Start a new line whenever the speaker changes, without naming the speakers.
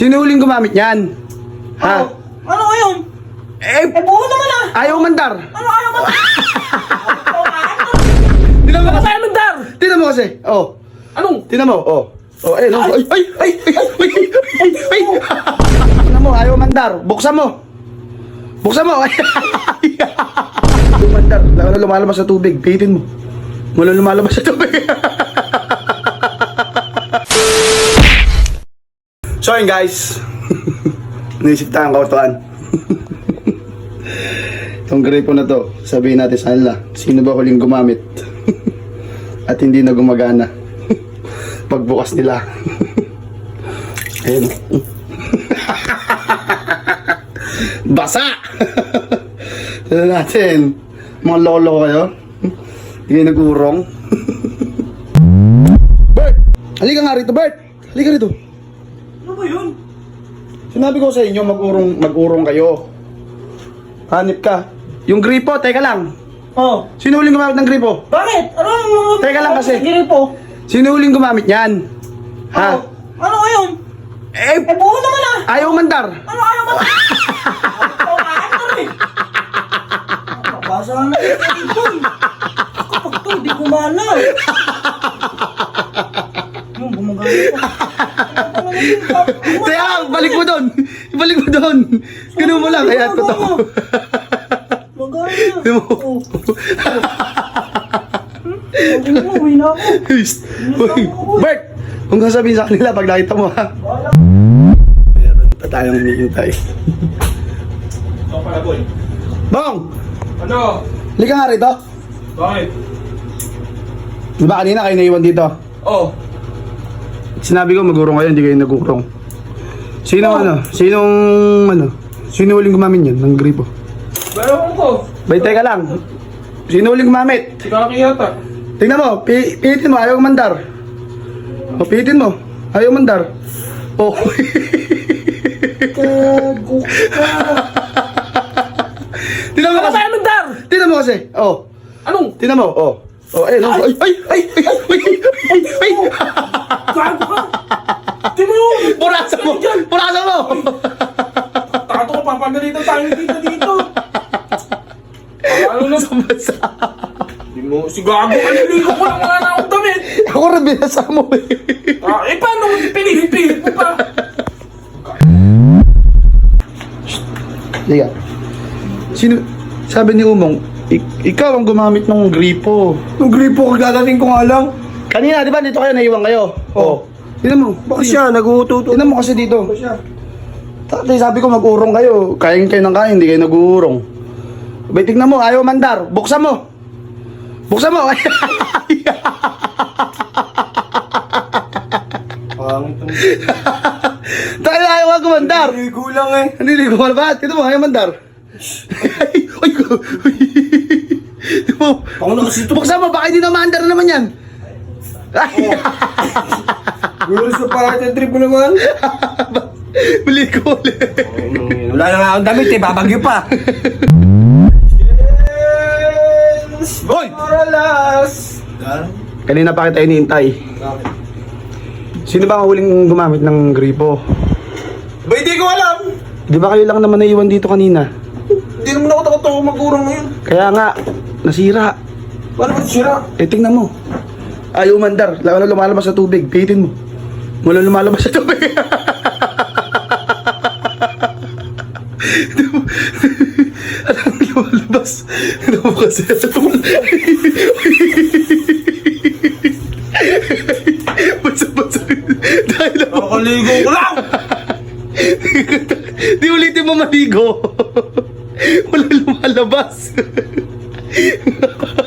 Sino huling gumamit niyan? Ha?
Ano ngayon? Buo naman ah!
Ayaw mandar.
Ano ayaw mo?
Tinan mo
Ano
kasi.
tayo mandar?
Tinan mo kasi. Oh.
Anong?
Tinan mo. Oh. Oh, ayun. Oh. Ay. Tinan mo, ayaw mandar. Buksan mo. Buksan mo. Ayaw mandar. Lalo lumalabas sa tubig. Pihitin mo. Mula lumalabas sa tubig. So yun guys. Naisip tayong kautuan. Itong gripo na to, sabihin natin sa kanila, sino ba huling gumamit? At hindi na gumagana. Pagbukas nila. Ayun. Basa! Ano natin? Mga lolo kayo? Hindi kayo nag-urong? Bert! Halika nga rito, Bert! Halika rito.
Ano ba yun?
Sinabi ko sa inyo, mag-urong kayo. Hanip ka. Yung gripo, teka lang.
Oh.
Sino huling gumamit ng gripo?
Bakit? Ano?
Teka lang kasi.
Hindi po.
Sino huling gumamit niyan? Ha?
Ano ngayon? Buo naman ah!
Ayaw mandar.
Ano ayaw mo? Ano eh? Basa na ito. Kapag to, di gumana. Yung gumagana pa.
Kaya, balik mo doon. Balik mo doon. Ganun mo lang. Kaya, totoo.
Magana.
Ganun mo.
Sabi mo, uwi na ako.
Uy, Bert! Kung sasabihin sa kanila pag nakita mo ha. Meron pa tayong hinihintay.
Ito pala, boy.
Bong!
Ano?
Halika nga rito.
Bakit?
Di ba kanina kayo naiwan dito?
Oh.
Sinabi ko magurong kayo, hindi kayo nagurong. Sino Sino huling gumamit yan ng gripo?
Meron ko.
Bay, teka lang. Sino huling gumamit?
Si Kaki yata.
Tingnan mo, pihitin mo, ayaw mandar. O, pihitin mo, ayaw mandar. Oh.
Gago ka.
Tingnan mo
Ano
kasi.
tayo mandar?
Tingnan mo kasi. Oh.
Anong?
Tingnan mo, oh. Oh, ayun, oh. Ay.
Gago ka. Di mo yun.
Purasan mo. Purasan mo.
Tato ko, papagalitan tayo dito. Ano na?
Basa.
Di mo, si Gago, naliligo ko lang wala na akong damit.
Ako rin binasa mo eh.
Paano mo pinilit mo pa?
Liga. Sino? Sabi ni Umong, ikaw ang gumamit ng gripo.
Yung gripo kagagaling ko nga lang.
Kanina, di ba dito kayo naiwan kayo? Oh. Tingnan mo.
Bakit siya? Nag-uututo.
Tingnan mo kasi dito.
Bakit siya?
Tatay, sabi ko mag-urong kayo. Kain kayo ng kain, hindi kayo nag-uurong. Bay, tingnan mo, ayaw mandar. Buksan mo. Buksan mo.
Pangit ang
Tayo ayaw nga gumandar.
ligo lang eh.
Hindi ko ba? Tingnan mo, ayaw mandar. Ay, tingnan mo.
Ako na kasi ito.
Buksan mo, baka hindi na mandar naman yan. Ay,
Gulos na parang trip mo naman.
bili ko ulit.
Wala na nga akong damit eh. Babagyo pa.
Hoy!
Moralas.
Kanina pa kita iniintay. Sino ba ang huling gumamit ng gripo?
Ba, hindi ko alam.
Di ba kayo lang naman naiwan dito kanina?
Hindi naman ako takot mag-urang ngayon.
Kaya nga, nasira.
Paano ba sira?
Eh, tingnan mo. Ayaw mandar. Lalo lumalabas sa tubig. Pihitin mo. Mula lumalabas sa tubig. Alam mo lumalabas. Ano mo kasi? Basa-basa. Dahil ako.
Nakaligo ko lang.
Di ulitin mo maligo. Wala lumalabas.